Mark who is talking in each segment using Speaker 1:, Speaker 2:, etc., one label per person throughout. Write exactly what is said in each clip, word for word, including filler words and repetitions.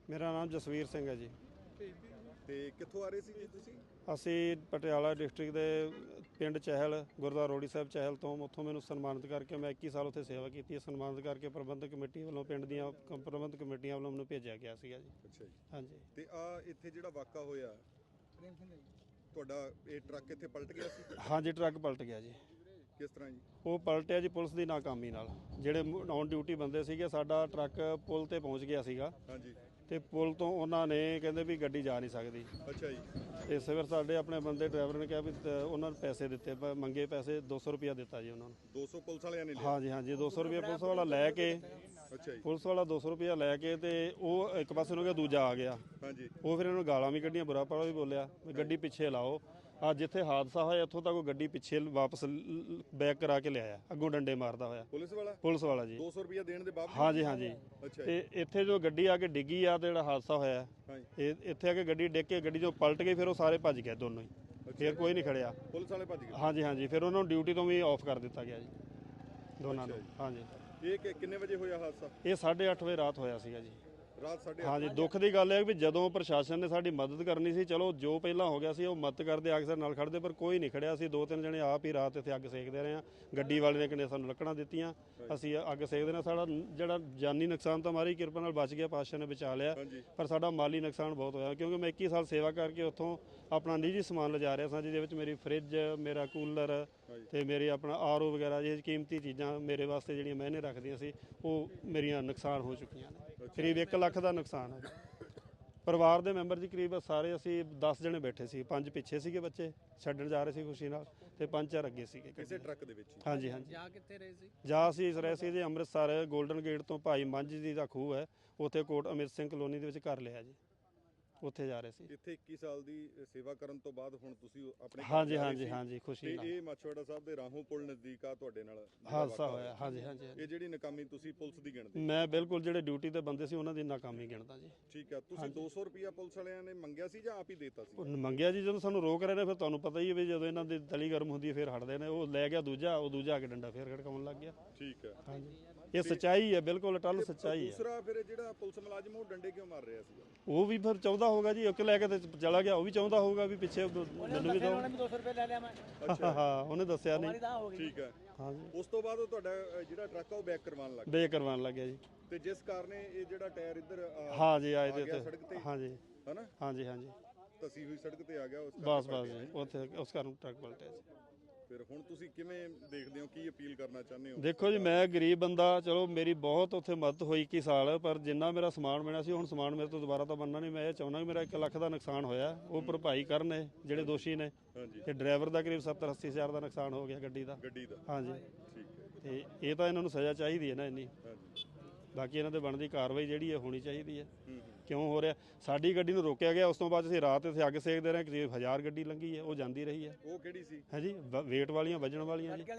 Speaker 1: मेरा नाम जसवीर सिंह है जी।
Speaker 2: ਤੇ ਕਿੱਥੋਂ ਆ ਰਹੇ ਸੀ ਜੀ ਤੁਸੀਂ?
Speaker 1: ਅਸੀਂ ਪਟਿਆਲਾ ਡਿਸਟ੍ਰਿਕਟ ਦੇ ਪਿੰਡ ਚਹਿਲ ਗੁਰਦੁਆਰਾ ਰੋੜੀ ਸਾਹਿਬ ਚਹਿਲ ਤੋਂ ਉੱਥੋਂ ਮੈਨੂੰ ਸਨਮਾਨਿਤ ਕਰਕੇ ਮੈਂ ਇੱਕੀ ਸਾਲ ਉੱਥੇ ਸੇਵਾ ਕੀਤੀ ਹੈ। ਸਨਮਾਨਿਤ ਕਰਕੇ ਪ੍ਰਬੰਧਕ ਕਮੇਟੀ ਵੱਲੋਂ ਪਿੰਡ ਦੀਆਂ ਪ੍ਰਬੰਧਕ ਕਮੇਟੀਆਂ ਵੱਲੋਂ ਮੈਨੂੰ ਭੇਜਿਆ ਗਿਆ ਸੀਗਾ ਜੀ।
Speaker 2: ਅੱਛਾ ਜੀ।
Speaker 1: ਹਾਂਜੀ।
Speaker 2: ਤੇ ਆ ਇੱਥੇ ਜਿਹੜਾ ਵਾਕਾ ਹੋਇਆ ਤੁਹਾਡਾ ਇਹ ਟਰੱਕ ਇੱਥੇ ਪਲਟ ਗਿਆ ਸੀ?
Speaker 1: ਹਾਂਜੀ, ਟਰੱਕ ਪਲਟ ਗਿਆ ਜੀ।
Speaker 2: ਕਿਸ ਤਰ੍ਹਾਂ ਜੀ?
Speaker 1: ਉਹ ਪਲਟਿਆ ਜੀ ਪੁਲਿਸ ਦੀ ਨਾਕਾਮੀ ਨਾਲ। ਜਿਹੜੇ ਔਨ ਡਿਊਟੀ ਬੰਦੇ ਸੀਗੇ, ਸਾਡਾ ਟਰੱਕ ਪੁਲ ਤੇ ਪਹੁੰਚ ਗਿਆ ਸੀਗਾ।
Speaker 2: ਹਾਂਜੀ।
Speaker 1: ਤੇ ਪੁਲ ਤੋਂ ਉਹਨਾਂ ਨੇ ਕਹਿੰਦੇ ਵੀ ਗੱਡੀ ਜਾ ਨਹੀਂ ਸਕਦੀ।
Speaker 2: ਅੱਛਾ ਜੀ।
Speaker 1: ਤੇ ਸਵੇਰ ਸਾਡੇ ਆਪਣੇ ਬੰਦੇ ਡਰਾਈਵਰ ਨੇ ਕਿਹਾ ਵੀ ਉਹਨਾਂ ਨੂੰ ਪੈਸੇ ਦਿੱਤੇ, ਮੰਗੇ ਪੈਸੇ ਦੋ ਸੌ ਰੁਪਇਆ ਦਿੱਤਾ ਜੀ ਉਹਨਾਂ ਨੂੰ।
Speaker 2: ਦੋ ਸੌ ਪੁਲਿਸ ਵਾਲਿਆਂ ਨੇ ਲਿਆ?
Speaker 1: ਹਾਂਜੀ ਹਾਂਜੀ, ਦੋ ਸੌ ਰੁਪਇਆ ਪੁਲਿਸ ਵਾਲਾ ਲੈ ਕੇ।
Speaker 2: ਅੱਛਾ ਜੀ।
Speaker 1: ਪੁਲਿਸ ਵਾਲਾ ਦੋ ਸੌ ਰੁਪਇਆ ਲੈ ਕੇ ਤੇ ਉਹ ਇੱਕ ਪਾਸੇ ਨੂੰ ਗਿਆ, ਦੂਜਾ ਆ ਗਿਆ।
Speaker 2: ਹਾਂਜੀ।
Speaker 1: ਉਹ ਫਿਰ ਇਹਨੂੰ ਗਾਲਾਂ ਵੀ ਕੱਢੀਆਂ, ਬੁਰਾ ਭਲਾ ਵੀ ਬੋਲਿਆ ਵੀ ਗੱਡੀ ਪਿੱਛੇ ਲਾਓ। ਆ ਜਿੱਥੇ ਹਾਦਸਾ ਹੋਇਆ ਇੱਥੋਂ ਤੱਕ ਉਹ ਗੱਡੀ ਪਿੱਛੇ ਵਾਪਸ ਬੈਕ ਕਰਾ ਕੇ ਲਿਆਇਆ, ਅੱਗੋਂ ਡੰਡੇ ਮਾਰਦਾ ਹੋਇਆ।
Speaker 2: ਪੁਲਿਸ ਵਾਲਾ? ਪੁਲਿਸ
Speaker 1: ਵਾਲਾ ਜੀ।
Speaker 2: ਦੋ ਸੌ ਰੁਪਇਆ ਦੇਣ ਦੇ ਬਾਵਜੂਦ?
Speaker 1: ਹਾਂਜੀ ਹਾਂਜੀ।
Speaker 2: ਅੱਛਾ।
Speaker 1: ਤੇ ਇੱਥੇ ਜੋ ਗੱਡੀ ਆ ਕੇ ਡਿੱਗੀ ਆ ਤੇ ਜਿਹੜਾ ਹਾਦਸਾ ਹੋਇਆ, ਇਹ ਇੱਥੇ ਆ ਕੇ ਗੱਡੀ ਡਿੱਗ ਕੇ ਗੱਡੀ ਜੋ ਪਲਟ ਗਈ, ਫਿਰ ਉਹ ਸਾਰੇ ਭੱਜ ਗਏ ਦੋਨੋਂ ਹੀ। ਫਿਰ ਕੋਈ ਨਹੀਂ ਖੜਿਆ। ਪੁਲਿਸ ਵਾਲੇ ਭੱਜ ਗਏ? ਹਾਂਜੀ ਹਾਂਜੀ। ਫਿਰ ਉਹਨਾਂ ਨੂੰ ਡਿਊਟੀ ਤੋਂ ਵੀ ਆਫ ਕਰ ਦਿੱਤਾ ਗਿਆ ਜੀ, ਦੋਨਾਂ ਨੂੰ। ਹਾਂਜੀ।
Speaker 2: ਇਹ ਕਿੰਨੇ ਵਜੇ ਹੋਇਆ ਹਾਦਸਾ?
Speaker 1: ਇਹ ਸਾਢੇ ਅੱਠ ਵਜੇ ਰਾਤ ਹੋਇਆ ਸੀਗਾ ਜੀ।
Speaker 2: ਰਾਤ ਸਾਢੇ?
Speaker 1: ਹਾਂਜੀ। ਦੁੱਖ ਦੀ ਗੱਲ ਹੈ ਵੀ ਜਦੋਂ ਪ੍ਰਸ਼ਾਸਨ ਨੇ ਸਾਡੀ ਮਦਦ ਕਰਨੀ ਸੀ, ਚਲੋ ਜੋ ਪਹਿਲਾਂ ਹੋ ਗਿਆ ਸੀ ਉਹ ਮਦਦ ਕਰਦੇ, ਅਕਸਰ ਨਾਲ ਖੜਦੇ, ਪਰ ਕੋਈ ਨਹੀਂ ਖੜਿਆ ਸੀ। ਦੋ ਤਿੰਨ ਜਣੇ ਆਪ ਹੀ ਰਾਤ ਇੱਥੇ ਅੱਗ ਸੇਕਦੇ ਰਹੇ ਆ। ਗੱਡੀ ਵਾਲੇ ਨੇ ਕਿਨੇ ਸਾਨੂੰ ਲੱਕੜਾਂ ਦਿੱਤੀਆਂ, ਅਸੀਂ ਅੱਗ ਸੇਕਦੇ ਨੇ। ਸਾਡਾ ਜਿਹੜਾ ਜਾਨੀ ਨੁਕਸਾਨ ਤਾਂ ਮਾਰੀ ਕਿਰਪਾ ਨਾਲ ਬਚ ਗਿਆ, ਪਾਤਸ਼ਾਹ ਨੇ ਬਚਾ ਲਿਆ, ਪਰ ਸਾਡਾ ਮਾਲੀ ਨੁਕਸਾਨ ਬਹੁਤ ਹੋਇਆ। ਕਿਉਂਕਿ ਮੈਂ ਇੱਕੀ ਸਾਲ ਸੇਵਾ ਕਰਕੇ ਉੱਥੋਂ ਆਪਣਾ ਨਿੱਜੀ ਸਮਾਨ ਲਿਜਾ ਰਿਹਾ ਸਾਂ, ਜਿਹਦੇ ਵਿੱਚ ਮੇਰੀ ਫਰਿੱਜ, ਮੇਰਾ ਕੂਲਰ ਤੇ ਮੇਰੇ ਆਪਣਾ ਆਰ ਓ ਵਗੈਰਾ ਜਿਹੇ ਕੀਮਤੀ ਚੀਜ਼ਾਂ ਮੇਰੇ ਵਾਸਤੇ ਜਿਹੜੀਆਂ ਮੈਨੇ ਰੱਖਦੀਆਂ ਸੀ, ਉਹ ਮੇਰੀਆਂ ਨੁਕਸਾਨ ਹੋ ਚੁੱਕੀਆਂ ਨੇ। ਕਰੀਬ ਇੱਕ ਲੱਖ ਦਾ ਨੁਕਸਾਨ ਹੈ। ਪਰਿਵਾਰ ਦੇ ਮੈਂਬਰ ਜੀ ਕਰੀਬ ਸਾਰੇ ਅਸੀਂ ਦਸ ਜਣੇ ਬੈਠੇ ਸੀ। ਪੰਜ ਪਿੱਛੇ ਸੀਗੇ, ਬੱਚੇ ਛੱਡਣ ਜਾ ਰਹੇ ਸੀ ਖੁਸ਼ੀ ਨਾਲ, ਤੇ ਪੰਜ ਚਾਰ ਅੱਗੇ ਸੀਗੇ
Speaker 2: ਕਿਸੇ ਟਰੱਕ ਦੇ ਵਿੱਚ।
Speaker 1: ਹਾਂਜੀ ਹਾਂਜੀ।
Speaker 3: ਜਾ ਕਿੱਥੇ ਰਹੇ ਸੀ?
Speaker 1: ਜਾ ਅਸੀਂ ਇਸ ਰਹੇ ਸੀ ਜੀ ਅੰਮ੍ਰਿਤਸਰ ਗੋਲਡਨ ਗੇਟ ਤੋਂ ਭਾਈ ਮੰਝ ਦੀ ਦਾ ਖੂਹ ਹੈ, ਉੱਥੇ ਕੋਟ ਅਮਿਤ ਸਿੰਘ ਕਲੋਨੀ ਦੇ ਵਿੱਚ ਘਰ ਲਿਆ ਜੀ, ਉੱਥੇ ਜਾ ਰਹੇ ਸੀ।
Speaker 2: ਇੱਥੇ ਇੱਕੀ ਸਾਲ ਦੀ ਸੇਵਾ ਕਰਨ ਤੋਂ ਬਾਅਦ ਹੁਣ ਤੁਸੀਂ ਆਪਣੇ?
Speaker 1: ਹਾਂਜੀ ਹਾਂਜੀ ਹਾਂਜੀ, ਖੁਸ਼ੀ ਨਾਲ।
Speaker 2: ਇਹ ਮਾਛੋੜਾ ਸਾਹਿਬ ਦੇ ਰਾਹੋਂ ਪੁਲ ਨਜ਼ਦੀਕ ਆ ਤੁਹਾਡੇ ਨਾਲ
Speaker 1: ਹਾਦਸਾ ਹੋਇਆ? ਹਾਂਜੀ ਹਾਂਜੀ।
Speaker 2: ਇਹ ਜਿਹੜੀ ਨਾਕਾਮੀ ਤੁਸੀਂ ਪੁਲਿਸ ਦੀ ਗਿਣਦੇ?
Speaker 1: ਮੈਂ ਬਿਲਕੁਲ ਜਿਹੜੇ ਡਿਊਟੀ ਤੇ ਬੰਦੇ ਸੀ ਉਹਨਾਂ ਦੀ ਨਾਕਾਮੀ ਗਿਣਦਾ ਜੀ।
Speaker 2: ਠੀਕ ਆ। ਤੁਸੀਂ ਦੋ ਸੌ ਰੁਪਇਆ ਪੁਲਿਸ ਵਾਲਿਆਂ ਨੇ ਮੰਗਿਆ ਸੀ ਜਾਂ ਆਪ ਹੀ ਦੇਤਾ ਸੀ?
Speaker 1: ਮੰਗਿਆ ਜੀ, ਜਦੋਂ ਸਾਨੂੰ ਰੋਕ ਰਹੇ ਨੇ ਫਿਰ ਤੁਹਾਨੂੰ ਪਤਾ ਹੀ ਹੈ ਵੀ ਜਦੋਂ ਇਹਨਾਂ ਦੀ ਤਲੀ ਗਰਮ ਹੁੰਦੀ ਹੈ ਫਿਰ ਹਟਦੇ ਨੇ। ਉਹ ਲੈ ਗਿਆ ਦੂਜਾ, ਉਹ ਦੂਜਾ ਆ ਕੇ ਡੰਡਾ ਫੇਰ ਖੜਕਾਉਣ ਲੱਗ ਗਿਆ।
Speaker 2: ਠੀਕ ਹੈ।
Speaker 1: ਹਾਂਜੀ। ਇਹ ਸੱਚਾਈ ਹੈ, ਬਿਲਕੁਲ ਅਟੱਲ ਸੱਚਾਈ ਹੈ।
Speaker 2: ਦੂਸਰਾ ਫਿਰ ਜਿਹੜਾ ਪੁਲਿਸ ਮੁਲਾਜ਼ਮ ਉਹ ਡੰਡੇ ਕਿਉਂ ਮਾਰ ਰਿਹਾ ਸੀ?
Speaker 1: ਉਹ ਵੀ ਫਿਰ ਚਾਹੁੰਦਾ ਹੋਗਾ ਜੀ, ਇੱਕ ਲੈ ਕੇ ਤੇ ਚਲਾ ਗਿਆ। ਉਹ ਵੀ ਚਾਹੁੰਦਾ ਹੋਊਗਾ ਵੀ ਪਿੱਛੇ ਮੈਨੂੰ ਵੀ ਦਿਓ।
Speaker 3: ਦੋ ਸੌ ਰੁਪਏ ਲੈ ਲਿਆ ਮੈਂ।
Speaker 1: ਅੱਛਾ। ਹਾਂ, ਉਹਨੇ ਦੱਸਿਆ ਨਹੀਂ।
Speaker 2: ਠੀਕ ਹੈ।
Speaker 1: ਹਾਂਜੀ।
Speaker 2: ਉਸ ਤੋਂ ਬਾਅਦ ਉਹ ਤੁਹਾਡਾ ਜਿਹੜਾ ਟਰੱਕ ਆ ਉਹ ਬੈਕ ਕਰਵਾਉਣ ਲੱਗ ਗਿਆ?
Speaker 1: ਬੇਕ ਕਰਵਾਉਣ ਲੱਗਿਆ ਜੀ।
Speaker 2: ਤੇ ਜਿਸ ਕਾਰਨ ਇਹ ਜਿਹੜਾ ਟਾਇਰ ਇੱਧਰ
Speaker 1: ਹਾਂਜੀ ਆਏ ਤੇ
Speaker 2: ਸੜਕ ਤੇ?
Speaker 1: ਹਾਂਜੀ
Speaker 2: ਹਨਾ?
Speaker 1: ਹਾਂਜੀ ਹਾਂਜੀ।
Speaker 2: ਤਸੀ ਹੋਈ ਸੜਕ ਤੇ ਆ ਗਿਆ ਉਸ
Speaker 1: ਬਸ ਬਸ ਜੀ, ਉੱਥੇ ਉਸ ਕਾਰਨ ਟਰੱਕ ਪਲਟਿਆ ਜੀ।
Speaker 2: ਫਿਰ ਹੁਣ ਤੁਸੀਂ ਕਿਵੇਂ ਦੇਖਦੇ ਹੋ, ਕੀ ਅਪੀਲ ਕਰਨਾ ਚਾਹੁੰਦੇ ਹੋ?
Speaker 1: ਦੇਖੋ ਜੀ, ਮੈਂ ਗਰੀਬ ਬੰਦਾ, ਚਲੋ ਮੇਰੀ ਬਹੁਤ ਉੱਥੇ ਮਦਦ ਹੋਈ ਇੱਕੀ ਸਾਲ, ਪਰ ਜਿੰਨਾ ਮੇਰਾ ਸਮਾਨ ਬਣਿਆ ਸੀ ਹੁਣ ਸਮਾਨ ਮੇਰੇ ਤੋਂ ਦੁਬਾਰਾ ਤਾਂ ਬਣਨਾ ਨਹੀਂ। ਮੈਂ ਇਹ ਚਾਹੁੰਦਾ ਕਿ ਮੇਰਾ ਇੱਕ ਲੱਖ ਦਾ ਨੁਕਸਾਨ ਹੋਇਆ, ਉਹ ਭਰਪਾਈ ਕਰਨ ਜਿਹੜੇ ਦੋਸ਼ੀ ਨੇ। ਤੇ ਡਰਾਈਵਰ ਦਾ ਕਰੀਬ ਸੱਤਰ ਅੱਸੀ ਹਜ਼ਾਰ ਦਾ ਨੁਕਸਾਨ ਹੋ ਗਿਆ ਗੱਡੀ ਦਾ।
Speaker 2: ਗੱਡੀ ਦਾ? ਹਾਂਜੀ। ਠੀਕ ਹੈ।
Speaker 1: ਤੇ ਇਹ ਤਾਂ ਇਹਨਾਂ ਨੂੰ ਸਜ਼ਾ ਚਾਹੀਦੀ ਹੈ ਨਾ ਇੰਨੀ। ਬਾਕੀ ਇਹਨਾਂ ਤੇ ਬਣਦੀ ਕਾਰਵਾਈ ਜਿਹੜੀ ਹੈ ਹੋਣੀ ਚਾਹੀਦੀ ਹੈ। ਕਿਉਂ ਹੋ ਰਿਹਾ? ਸਾਡੀ ਗੱਡੀ ਨੂੰ ਰੋਕਿਆ ਗਿਆ, ਉਸ ਤੋਂ ਬਾਅਦ ਅਸੀਂ ਰਾਤ ਇੱਥੇ ਅੱਗ ਸੇਕਦੇ ਰਹੇ। ਕਰੀਬ ਹਜ਼ਾਰ ਗੱਡੀ ਲੰਘੀ ਹੈ, ਉਹ ਜਾਂਦੀ ਰਹੀ ਹੈ।
Speaker 2: ਉਹ ਕਿਹੜੀ ਸੀ? ਹੈ
Speaker 1: ਜੀ ਵੇਟ ਵਾਲੀਆਂ, ਵਜਣ ਵਾਲੀਆਂ ਜੀ।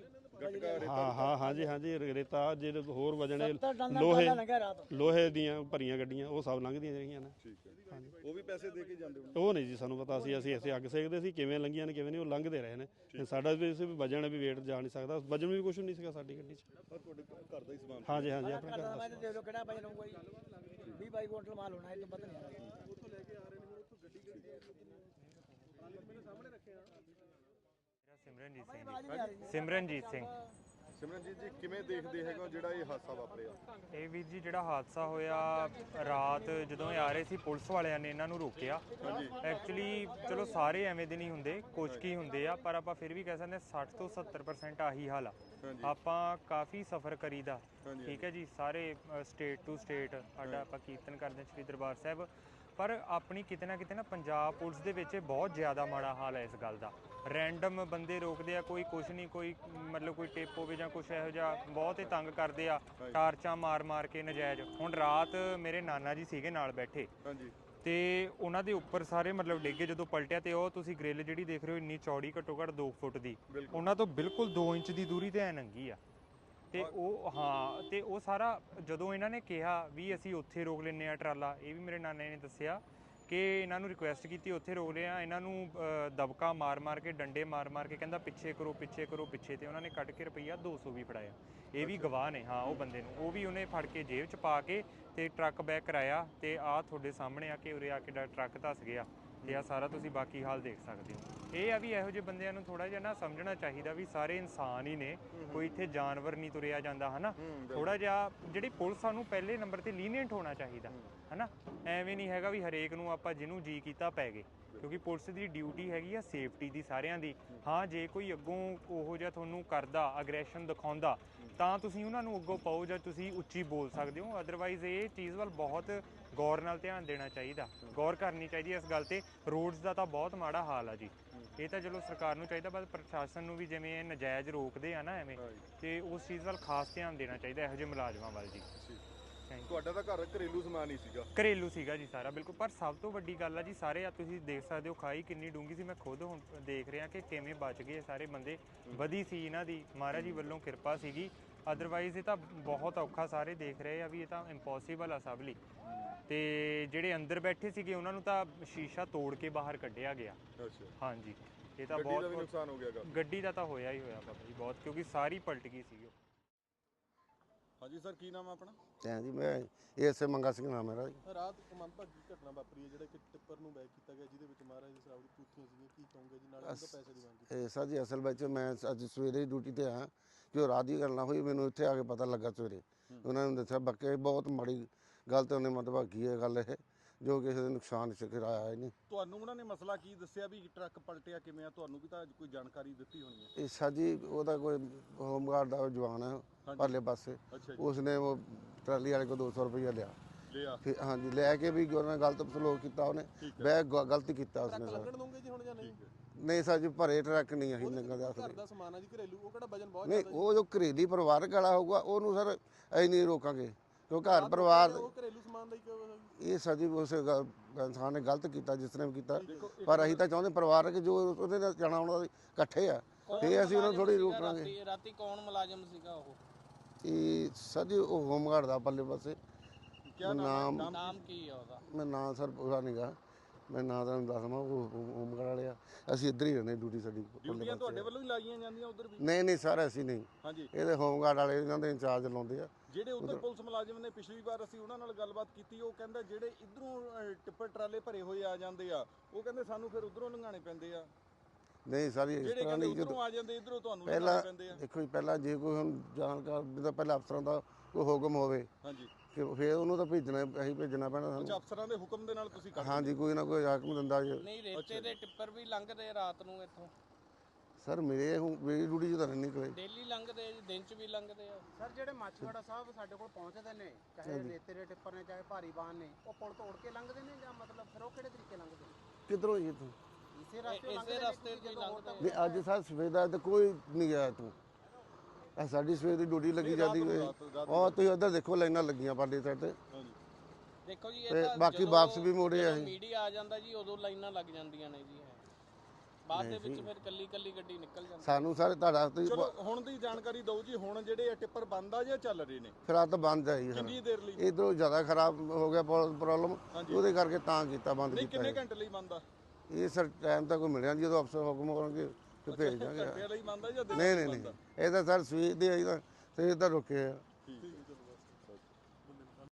Speaker 1: ਹਾਂ ਹਾਂ ਹਾਂਜੀ ਹਾਂਜੀ। ਰੇਤਾ ਜਿਹੜੇ ਹੋਰ ਵਜਣੇ, ਲੋਹੇ ਲੋਹੇ ਦੀਆਂ ਭਰੀਆਂ ਗੱਡੀਆਂ, ਉਹ ਸਭ ਲੰਘਦੀਆਂ ਜਿਹੜੀਆਂ ਨੇ।
Speaker 2: ਠੀਕ ਹੈ। ਹਾਂਜੀ। ਉਹ ਵੀ ਪੈਸੇ ਦੇ ਕੇ ਜਾਂਦੇ ਹੋ?
Speaker 1: ਉਹ ਨਹੀਂ ਜੀ, ਸਾਨੂੰ ਪਤਾ ਸੀ। ਅਸੀਂ ਇੱਥੇ ਅੱਗ ਸੇਕਦੇ ਸੀ, ਕਿਵੇਂ ਲੰਘੀਆਂ ਨੇ ਕਿਵੇਂ ਨਹੀਂ, ਉਹ ਲੰਘਦੇ ਰਹੇ ਨੇ। ਸਾਡਾ ਵੀ ਵਜਣ ਵੀ ਵੇਟ ਜਾ ਨਹੀਂ ਸਕਦਾ, ਵਜਣ ਵੀ ਕੁਛ ਨਹੀਂ ਸੀਗਾ ਸਾਡੀ ਗੱਡੀ 'ਚ।
Speaker 2: ਤੁਹਾਡੇ ਘਰ ਦਾ ਹੀ ਸਮਾਨ? ਹਾਂਜੀ
Speaker 1: ਹਾਂਜੀ, ਆਪਣੇ ਘਰ ਦਾ।
Speaker 3: ਦੇ ਲੋ ਕਿਹੜਾ ਵਜਨ ਹੋਊਗਾ ਜੀ? ਵੀਹ ਬਾਈ ਕੁਇੰਟਲ ਮਾਲ ਹੋਣਾ, ਇਹ ਤੋਂ ਪਤਾ ਨਹੀਂ।
Speaker 2: ਉੱਥੋਂ ਲੈ ਕੇ ਆ ਰਹੇ ਨੇ, ਹੁਣ ਉੱਥੋਂ ਗੱਡੀ ਕਿਹੜੀ ਹੈ? ਮੇਰੇ ਸਾਹਮਣੇ ਰੱਖੇ ਆ।
Speaker 4: ਮੇਰਾ ਸਿਮਰਨਜੀਤ ਸਿੰਘ ਜੀ। ਸਿਮਰਨਜੀਤ ਸਿੰਘ।
Speaker 2: ਸਿਮਰਨਜੀਤ ਜੀ, ਕਿਵੇਂ ਦੇਖਦੇ ਹੈਗੇ ਜਿਹੜਾ ਇਹ ਹਾਦਸਾ ਵਾਪਰਿਆ?
Speaker 4: ਇਹ ਵੀਰ ਜੀ ਜਿਹੜਾ ਹਾਦਸਾ ਹੋਇਆ ਰਾਤ ਜਦੋਂ ਇਹ ਆ ਰਹੇ ਸੀ, ਪੁਲਿਸ ਵਾਲਿਆਂ ਨੇ ਇਹਨਾਂ ਨੂੰ ਰੋਕਿਆ। ਐਕਚੁਅਲੀ ਚਲੋ ਸਾਰੇ ਐਵੇਂ ਦੇ ਨਹੀਂ ਹੁੰਦੇ, ਕੁਝ ਕੀ ਹੁੰਦੇ ਆ, ਪਰ ਆਪਾਂ ਫਿਰ ਵੀ ਕਹਿ ਸਕਦੇ ਸੱਠ ਤੋਂ ਸੱਤਰ ਪਰਸੈਂਟ ਆਹੀ ਹਾਲ ਆ। ਆਪਾਂ ਕਾਫੀ ਸਫ਼ਰ ਕਰੀਦਾ, ਠੀਕ ਹੈ ਜੀ, ਸਾਰੇ ਸਟੇਟ ਟੂ ਸਟੇਟ ਸਾਡਾ ਆਪਾਂ ਕੀਰਤਨ ਕਰਦੇ ਸ਼੍ਰੀ ਦਰਬਾਰ ਸਾਹਿਬ, ਪਰ ਆਪਣੀ ਕਿਤੇ ਨਾ ਕਿਤੇ ਨਾ ਪੰਜਾਬ ਪੁਲਿਸ ਦੇ ਵਿੱਚ ਬਹੁਤ ਜ਼ਿਆਦਾ ਮਾੜਾ ਹਾਲ ਹੈ ਇਸ ਗੱਲ ਦਾ। ਰੈਂਡਮ ਬੰਦੇ ਰੋਕਦੇ ਆ, ਕੋਈ ਕੁਛ ਨਹੀਂ, ਕੋਈ ਮਤਲਬ ਕੋਈ ਟਿਪ ਹੋਵੇ ਜਾਂ ਕੁਛ ਇਹੋ ਜਿਹਾ, ਬਹੁਤ ਹੀ ਤੰਗ ਕਰਦੇ ਆ, ਟਾਰਚਾਂ ਮਾਰ ਮਾਰ ਕੇ ਨਜਾਇਜ਼। ਹੁਣ ਰਾਤ ਮੇਰੇ ਨਾਨਾ ਜੀ ਸੀਗੇ ਨਾਲ ਬੈਠੇ, ਤੇ ਉਹਨਾਂ ਦੇ ਉੱਪਰ ਸਾਰੇ ਮਤਲਬ ਡਿੱਗੇ ਜਦੋਂ ਪਲਟਿਆ। ਤੇ ਉਹ ਤੁਸੀਂ ਗ੍ਰਿਲ ਜਿਹੜੀ ਦੇਖ ਰਹੇ ਹੋ ਇੰਨੀ ਚੌੜੀ, ਘੱਟੋ ਘੱਟ ਦੋ ਫੁੱਟ ਦੀ, ਉਹਨਾਂ ਤੋਂ ਬਿਲਕੁਲ ਦੋ ਇੰਚ ਦੀ ਦੂਰੀ ਤੇ ਐ ਨੰਗੀ ਆ। ਤੇ ਉਹ ਹਾਂ, ਤੇ ਉਹ ਸਾਰਾ ਜਦੋਂ ਇਹਨਾਂ ਨੇ ਕਿਹਾ ਵੀ ਅਸੀਂ ਉੱਥੇ ਰੋਕ ਲੈਂਦੇ ਆ ਟਰਾਲਾ, ਇਹ ਵੀ ਮੇਰੇ ਨਾਨੇ ਨੇ ਦੱਸਿਆ ਕਿ ਇਹਨਾਂ ਨੂੰ ਰਿਕੁਐਸਟ ਕੀਤੀ ਉੱਥੇ ਰੋਕ ਲਿਆ, ਇਹਨਾਂ ਨੂੰ ਅ, ਦਬਕਾ ਮਾਰ ਮਾਰ ਕੇ ਡੰਡੇ ਮਾਰ ਮਾਰ ਕੇ ਕਹਿੰਦਾ ਪਿੱਛੇ ਕਰੋ ਪਿੱਛੇ ਕਰੋ ਪਿੱਛੇ, ਤੇ ਉਹਨਾਂ ਨੇ ਕੱਢ ਕੇ ਰੁਪਈਆ ਦੋ ਸੌ ਵੀ ਫੜਾਇਆ। ਇਹ ਵੀ ਗਵਾਹ ਨੇ ਹਾਂ ਉਹ ਬੰਦੇ ਨੂੰ, ਉਹ ਵੀ ਉਹਨੇ ਫੜ ਕੇ ਜੇਬ 'ਚ ਪਾ ਕੇ ਤੇ ਟਰੱਕ ਬੈਕ ਕਰਾਇਆ, ਤੇ ਆਹ ਤੁਹਾਡੇ ਸਾਹਮਣੇ ਆ ਕੇ ਉਰੇ ਆ ਕੇ ਟਰੱਕ ਧੱਸ ਗਿਆ, ਤੇ ਆ ਸਾਰਾ ਤੁਸੀਂ ਬਾਕੀ ਹਾਲ ਦੇਖ ਸਕਦੇ ਹੋ। ਇਹ ਆ ਵੀ ਇਹੋ ਜਿਹੇ ਬੰਦਿਆਂ ਨੂੰ ਥੋੜਾ ਜਿਹਾ ਨਾ ਸਮਝਣਾ ਚਾਹੀਦਾ ਵੀ ਸਾਰੇ ਇਨਸਾਨ ਹੀ ਨੇ, ਕੋਈ ਇੱਥੇ ਜਾਨਵਰ ਨਹੀਂ ਤੁਰਿਆ ਜਾਂਦਾ ਹਨਾ। ਥੋੜਾ ਜਿਹਾ ਜਿਹੜੀ ਪੁਲਿਸ ਸਾਨੂੰ ਪਹਿਲੇ ਨੰਬਰ ਤੇ ਲੀਨੀਅੰਟ ਹੋਣਾ ਚਾਹੀਦਾ ਹਨਾ, ਐਵੇਂ ਨਹੀਂ ਹੈਗਾ ਵੀ ਹਰੇਕ ਨੂੰ ਆਪਾਂ ਜਿਹਨੂੰ ਜੀ ਕੀਤਾ ਪੈ ਗਏ, ਕਿਉਂਕਿ ਪੁਲਿਸ ਦੀ ਡਿਊਟੀ ਹੈਗੀ ਆ ਸੇਫਟੀ ਦੀ ਸਾਰਿਆਂ ਦੀ। ਹਾਂ ਜੇ ਕੋਈ ਅੱਗੋਂ ਉਹੋ ਜਿਹਾ ਤੁਹਾਨੂੰ ਕਰਦਾ ਅਗਰੈਸ਼ਨ ਦਿਖਾਉਂਦਾ ਤਾਂ ਤੁਸੀਂ ਉਹਨਾਂ ਨੂੰ ਅੱਗੋਂ ਪਾਓ ਜਾਂ ਤੁਸੀਂ ਉੱਚੀ ਬੋਲ ਸਕਦੇ ਹੋ, ਅਦਰਵਾਈਜ਼ ਇਹ ਚੀਜ਼ ਵੱਲ ਬਹੁਤ ਗੌਰ ਨਾਲ ਧਿਆਨ ਦੇਣਾ ਚਾਹੀਦਾ, ਗੌਰ ਕਰਨੀ ਚਾਹੀਦੀ ਇਸ ਗੱਲ ਤੇ। ਰੋਡਸ ਦਾ ਤਾਂ ਬਹੁਤ ਮਾੜਾ ਹਾਲ ਆ ਜੀ, ਇਹ ਤਾਂ ਚਲੋ ਸਰਕਾਰ ਨੂੰ ਚਾਹੀਦਾ, ਬਸ ਪ੍ਰਸ਼ਾਸਨ ਨੂੰ ਵੀ ਜਿਵੇਂ ਇਹ ਨਜਾਇਜ਼ ਰੋਕਦੇ ਆ ਨਾ ਐਵੇਂ, ਤੇ ਉਸ ਚੀਜ਼ ਵੱਲ ਖਾਸ ਧਿਆਨ ਦੇਣਾ ਚਾਹੀਦਾ ਇਹੋ ਜਿਹੇ ਮੁਲਾਜ਼ਮਾਂ ਵੱਲ ਜੀ।
Speaker 2: ਤੁਹਾਡਾ ਤਾਂ ਘਰ ਘਰੇਲੂ ਸਮਾਨ ਹੀ ਸੀਗਾ?
Speaker 4: ਘਰੇਲੂ ਸੀਗਾ ਜੀ ਸਾਰਾ ਬਿਲਕੁਲ, ਪਰ ਸਭ ਤੋਂ ਵੱਡੀ ਗੱਲ ਆ ਜੀ ਸਾਰੇ ਆ ਤੁਸੀਂ ਦੇਖ ਸਕਦੇ ਹੋ ਖਾਈ ਕਿੰਨੀ ਡੂੰਗੀ ਸੀ, ਮੈਂ ਖੁਦ ਹੁਣ ਦੇਖ ਰਿਹਾ ਕਿ ਕਿਵੇਂ ਬਚ ਗਏ ਸਾਰੇ ਬੰਦੇ, ਵਧੀ ਸੀ ਇਹਨਾਂ ਦੀ ਮਹਾਰਾਜ ਜੀ ਵੱਲੋਂ ਕਿਰਪਾ ਸੀਗੀ, ਅਦਰਵਾਈਜ਼ ਇਹ ਤਾਂ ਬਹੁਤ ਔਖਾ ਸਾਰੇ ਦੇਖ ਰਹੇ ਆ ਵੀ ਇਹ ਤਾਂ ਇੰਪੋਸੀਬਲ ਆ ਸਭ ਲਈ। ਤੇ ਜਿਹੜੇ ਅੰਦਰ ਬੈਠੇ ਸੀਗੇ ਉਹਨਾਂ ਨੂੰ ਤਾਂ ਸ਼ੀਸ਼ਾ ਤੋੜ ਕੇ ਬਾਹਰ ਕੱਢਿਆ ਗਿਆ।
Speaker 2: ਅੱਛਾ
Speaker 4: ਹਾਂਜੀ ਇਹ ਤਾਂ
Speaker 2: ਗੱਡੀ ਦਾ ਵੀ
Speaker 4: ਬਹੁਤ
Speaker 2: ਨੁਕਸਾਨ ਹੋ ਗਿਆ?
Speaker 4: ਗੱਡੀ ਦਾ ਤਾਂ ਹੋਇਆ ਹੀ ਹੋਇਆ ਬਾਬਾ ਜੀ ਬਹੁਤ, ਕਿਉਂਕਿ ਸਾਰੀ ਪਲਟ ਗਈ ਸੀ ਉਹ।
Speaker 2: ਹਾਂਜੀ ਸਰ, ਕੀ ਨਾਮ ਹੈ ਆਪਣਾ?
Speaker 5: ਹਾਂ ਜੀ, ਮੈਂ ਇਸੇ ਮੰਗਾ ਸਿੰਘ ਨਾਮ ਮੇਰਾ ਜੀ।
Speaker 6: ਰਾਤ ਇੱਕ ਮੰਦਭਾਗੀ ਘਟਨਾ ਵਾਪਰੀ ਹੈ ਜਿਹੜਾ ਕਿ ਟਿੱਪਰ ਨੂੰ ਬੈਕ ਕੀਤਾ ਗਿਆ, ਜਿਹਦੇ ਵਿੱਚ ਮਹਾਰਾਜ ਦੇ ਸਾਹਿਬ ਦੀ ਪੂਥੀਆਂ ਸੀਗੀਆਂ, ਕੀ ਕਹੋਗੇ ਜੀ? ਨਾਲ ਉਹਦਾ ਪੈਸੇ ਦੀ ਮੰਗ ਕੀਤੀ।
Speaker 5: ਇਹ ਸਰ ਜੀ ਅਸਲ ਵਿੱਚ ਮੈਂ ਅੱਜ ਸਵੇਰੇ ਡਿਊਟੀ ਤੇ ਆਇਆ, ਜੋ ਰਾਤ ਦੀ ਗੱਲ ਨਾ ਹੋਈ ਮੈਨੂੰ ਇੱਥੇ ਆ ਕੇ ਪਤਾ ਲੱਗਾ ਸਵੇਰੇ, ਉਹਨਾਂ ਨੇ ਦੱਸਿਆ ਬਾਕੀ ਬਹੁਤ ਮਾੜੀ ਗੱਲ ਤੇ ਉਹਨੇ ਮੰਦਭਾਗੀ ਹੈ ਗੱਲ ਇਹ, ਜੋ ਕਿਸੇ ਦੇ ਨੁਕਸਾਨ ਸ਼ਿਕਰ ਆਇਆ ਹੀ ਨਹੀਂ।
Speaker 2: ਤੁਹਾਨੂੰ ਉਹਨਾਂ ਨੇ ਮਸਲਾ ਕੀ ਦੱਸਿਆ ਵੀ ਟਰੱਕ ਪਲਟਿਆ ਕਿਵੇਂ ਆ? ਤੁਹਾਨੂੰ ਵੀ ਤਾਂ ਕੋਈ ਜਾਣਕਾਰੀ ਦਿੱਤੀ ਹੋਣੀ ਹੈ।
Speaker 5: ਇਹ ਸਰ ਜੀ ਉਹਦਾ ਕੋਈ ਹੋਮਗਾਰਡ ਦਾ ਜਵਾਨ ਹੈ ਪਰਲੇ ਪਾਸੇ,
Speaker 2: ਅੱਛਾ ਜੀ,
Speaker 5: ਉਸਨੇ ਉਹ ਟਰਾਲੀ ਵਾਲੇ ਕੋਲ ਦੋ ਸੌ ਰੁਪਈਆ ਲਿਆ,
Speaker 2: ਲਿਆ
Speaker 5: ਫਿਰ ਹਾਂਜੀ ਲੈ ਕੇ ਵੀ ਉਹਨਾਂ ਨੇ ਗਲਤ ਸਲੂਕ ਕੀਤਾ, ਉਹਨੇ ਬੈ ਗਲਤੀ ਕੀਤਾ ਉਸਨੇ ਸਰ।
Speaker 6: ਲੱਗਣ ਦੋਗੇ ਜੀ ਹੁਣ ਜਾਂ ਨਹੀਂ?
Speaker 5: ਨਹੀਂ ਸਰ ਜੀ, ਭਰੇ ਟਰੱਕ ਨਹੀਂ ਅਸੀਂ ਲੰਘਣ ਦੇ
Speaker 6: ਘਰ ਦਾ ਸਮਾਨ ਆ ਜੀ ਘਰੇਲੂ, ਉਹ ਕਿਹੜਾ ਵਜਨ ਬਹੁਤ
Speaker 5: ਨਹੀਂ,
Speaker 6: ਜ਼ਿਆਦਾ
Speaker 5: ਉਹ ਜੋ ਘਰੇਲੀ ਪਰਿਵਾਰਕ ਵਾਲਾ ਹੋਊਗਾ ਉਹਨੂੰ ਸਰ ਅਸੀਂ ਨਹੀਂ ਰੋਕਾਂਗੇ, ਕਿਉਂ ਘਰ ਪਰਿਵਾਰ
Speaker 6: ਉਹ ਘਰੇਲੂ ਸਮਾਨ ਦਾ ਹੀ ਕਿਉਂ?
Speaker 5: ਇਹ ਸਰ ਜੀ ਉਸ ਗ- ਇਨਸਾਨ ਨੇ ਗਲਤ ਕੀਤਾ ਜਿਸ ਨੇ ਵੀ ਕੀਤਾ, ਪਰ ਅਸੀਂ ਤਾਂ ਚਾਹੁੰਦੇ ਪਰਿਵਾਰਕ ਜੋ ਉਹਦੇ ਨਾਲ ਜਾਣਾ ਆਉਣਾ ਇਕੱਠੇ ਆ, ਫੇਰ ਅਸੀਂ ਉਹਨਾਂ ਨੂੰ ਥੋੜੀ ਰੋਕਾਂਗੇ।
Speaker 3: ਰਾਤੀ ਕੌਣ ਮੁਲਾਜ਼ਮ ਸੀਗਾ ਉਹ?
Speaker 5: ਇਹ ਸਰ ਜੀ ਉਹ ਹੋਮਗਾਰਡ ਦਾ ਪੱਲੇ ਪਾਸੇ ਨਾਮ,
Speaker 3: ਨਾਮ ਕੀ ਹੈ ਉਹਦਾ?
Speaker 5: ਮੈਂ ਨਾਂ ਸਰ ਪੂਰਾ ਨਹੀਂਗਾ, ਮੈਂ ਨਾਂ ਤੁਹਾਨੂੰ ਦੱਸਵਾਂ, ਉਹ ਹੋਮਗਾਰਡ ਵਾਲੇ ਆ, ਅਸੀਂ ਇੱਧਰ ਹੀ ਰਹਿੰਦੇ, ਡਿਊਟੀ ਸਾਡੀ ਪੱਲੇ
Speaker 2: ਡਿਊਟੀਆਂ ਤੁਹਾਡੇ
Speaker 5: ਪਾਸੇ।
Speaker 2: ਵੱਲੋਂ ਹੀ ਲਾਈਆਂ ਜਾਂਦੀਆਂ ਉਧਰ ਵੀ?
Speaker 5: ਨਹੀਂ ਨਹੀਂ ਸਰ ਅਸੀਂ ਨਹੀਂ,
Speaker 2: ਹਾਂਜੀ,
Speaker 5: ਇਹਦੇ ਹੋਮਗਾਰਡ ਵਾਲੇ ਇਹਨਾਂ ਦੇ ਇੰਚਾਰਜ ਲਾਉਂਦੇ ਆ।
Speaker 2: ਜਿਹੜੇ ਉਧਰ ਪੁਲਿਸ ਮੁਲਾਜ਼ਮ ਨੇ, ਪਿਛਲੀ ਵਾਰ ਅਸੀਂ ਉਹਨਾਂ ਨਾਲ ਗੱਲਬਾਤ ਕੀਤੀ, ਉਹ ਕਹਿੰਦਾ ਜਿਹੜੇ ਇਧਰੋਂ ਟਿੱਪਰ ਟਰਾਲੇ ਭਰੇ ਹੋਏ ਆ ਜਾਂਦੇ ਆ, ਉਹ ਕਹਿੰਦੇ ਸਾਨੂੰ ਫਿਰ ਉਧਰੋਂ ਲੰਘਾਣੇ ਪੈਂਦੇ ਆ।
Speaker 5: ਨਹੀਂ ਸਰ ਇਸ
Speaker 2: ਜਿਹੜੇ
Speaker 5: ਤਰ੍ਹਾਂ
Speaker 2: ਕਹਿੰਦੇ
Speaker 5: ਨਹੀਂ,
Speaker 2: ਉਧਰੋਂ ਆ ਜਾਂਦੇ ਇਧਰੋਂ ਤੁਹਾਨੂੰ
Speaker 5: ਪਹਿਲਾਂ
Speaker 2: ਲੰਘਾਣੇ ਪੈਂਦੇ ਆ।
Speaker 5: ਦੇਖੋ ਜੀ, ਪਹਿਲਾਂ ਜੇ ਕੋਈ ਹੁਣ ਜਾਣਕਾਰ ਵੀ ਤਾਂ ਪਹਿਲਾਂ ਅਫਸਰਾਂ ਦਾ ਕੋਈ ਹੁਕਮ ਹੋਵੇ,
Speaker 2: ਹਾਂਜੀ,
Speaker 5: ਕਿ ਫਿਰ ਉਹਨੂੰ ਤਾਂ ਭੇਜਣਾ, ਅਸੀਂ ਭੇਜਣਾ ਪੈਣਾ
Speaker 2: ਅੱਛਾ
Speaker 5: ਸਾਨੂੰ।
Speaker 2: ਅਫਸਰਾਂ ਦੇ ਹੁਕਮ ਦੇ ਨਾਲ ਤੁਸੀਂ ਕਰਦੇ?
Speaker 5: ਹਾਂਜੀ, ਕੋਈ ਨਾ ਕੋਈ ਹਾਕਮ ਦਿੰਦਾ ਜੀ।
Speaker 3: ਨਹੀਂ ਰੇਤੇ ਦੇ ਟਿੱਪਰ ਵੀ ਲੰਘਦੇ ਰਾਤ ਨੂੰ ਇੱਥੋਂ?
Speaker 5: ਸਰ ਮੇਰੇ ਹੁਣ ਮੇਰੀ ਡਿਊਟੀ 'ਚ ਤਾਂ ਨਹੀਂ ਨਿਕਲੇ।
Speaker 3: ਡੇਲੀ ਲੰਘਦੇ ਆ ਜੀ, ਦਿਨ ਚ ਵੀ ਲੰਘਦੇ ਆ।
Speaker 7: ਸਰ ਜਿਹੜੇ ਮਾਛੀਵਾੜਾ ਸਾਹਿਬ ਸਾਡੇ ਕੋਲ ਪਹੁੰਚਦੇ ਨੇ, ਚਾਹੇ ਰੇਤੇ ਦੇ ਟਿੱਪਰ ਨੇ ਚਾਹੇ ਭਾਰੀ ਵਾਹਨ ਨੇ, ਉਹ ਪੁਲ ਤੋੜ ਕੇ ਲੰਘਦੇ ਨੇ ਜਾਂ ਮਤਲਬ ਫਿਰ ਉਹ ਕਿਹੜੇ ਤਰੀਕੇ ਲੰਘਦੇ ਨੇ?
Speaker 5: ਕਿੱਧਰੋਂ ਜੀ ਤੂੰ?
Speaker 7: ਇਸੇ ਰਸਤੇ
Speaker 3: ਇਸੇ ਰਸਤੇ ਤੋਂ ਹੀ ਲੰਘਦੇ
Speaker 5: ਨਹੀਂ ਅੱਜ ਸਰ ਸਵੇਰ ਦਾ ਤਾਂ ਕੋਈ ਨਹੀਂ ਗਿਆ ਤੂੰ, ਆ ਸਾਡੀ ਸਵੇਰ ਦੀ ਡਿਊਟੀ ਲੱਗੀ ਜਾਂਦੀ ਹੋਈ, ਉਹ ਤੁਸੀਂ ਉੱਧਰ ਦੇਖੋ ਲਾਈਨਾਂ ਲੱਗੀਆਂ ਪਾਲੇ ਸਾਈਡ ਤੇ।
Speaker 3: ਦੇਖੋ ਜੀ,
Speaker 5: ਤੇ
Speaker 3: ਇਹ ਤਾਂ
Speaker 5: ਬਾਕੀ
Speaker 3: ਜਦੋਂ-
Speaker 5: ਵਾਪਸ ਵੀ ਮੋੜੇ ਆ
Speaker 3: ਜਦੋਂ
Speaker 5: ਅਸੀਂ।
Speaker 3: ਮੀਡੀਆ ਆ ਜਾਂਦਾ ਜੀ ਉਦੋਂ ਲਾਈਨਾਂ ਲੱਗ ਜਾਂਦੀਆਂ ਨੇ ਜੀ, ਬਾਅਦ ਦੇ ਵਿੱਚ ਫਿਰ ਕੱਲੀ ਕੱਲੀ ਗੱਡੀ ਨਿਕਲ ਜਾਂਦੀ।
Speaker 5: ਸਾਨੂੰ ਸਾਰੇ ਤੁਹਾਡਾ ਤੁਸੀਂ
Speaker 2: ਚਲੋ ਹੁਣ ਦੀ ਜਾਣਕਾਰੀ ਦਿਓ ਜੀ, ਹੁਣ ਜਿਹੜੇ ਇਹ ਟਿੱਪਰ ਬੰਦ ਆ ਜਾਂ ਚੱਲ ਰਹੇ ਨੇ?
Speaker 5: ਫਿਰ ਆ ਤਾਂ ਬੰਦ ਆ ਜੀ,
Speaker 2: ਕਿੰਨੀ ਦੇਰ ਲਈ?
Speaker 5: ਇਧਰੋਂ ਜ਼ਿਆਦਾ ਖਰਾਬ ਹੋ ਗਿਆ ਪ੍ਰੋਬਲਮ, ਉਹਦੇ ਕਰਕੇ ਤਾਂ ਕੀਤਾ, ਬੰਦ
Speaker 2: ਨਹੀਂ,
Speaker 5: ਕੀਤਾ
Speaker 2: ਕਿੰਨੇ ਘੰਟੇ ਲਈ ਬੰਦ ਆ?
Speaker 5: ਇਹ ਸਰ ਟਾਈਮ ਤਾਂ ਕੋਈ ਮਿਲਿਆ ਨਹੀਂ, ਜਦੋਂ ਅਫਸਰ ਹੁਕਮ ਕਰਨਗੇ ਤੇ ਭੇਜ ਦਾਂਗੇ।
Speaker 2: ਘੰਟੇ ਲਈ ਬੰਦ ਆ ਜਾਂ ਦਿਨ
Speaker 5: ਨਹੀਂ
Speaker 2: ਲਈ
Speaker 5: ਨਹੀਂ
Speaker 2: ਬੰਦ ਆ?
Speaker 5: ਨਹੀਂ, ਇਹ ਤਾਂ ਸਰ ਸਵੇਰ ਦੇ ਆਈ ਤਾਂ ਸਵੇਰ ਦਾ ਰੁਕੇ ਆ।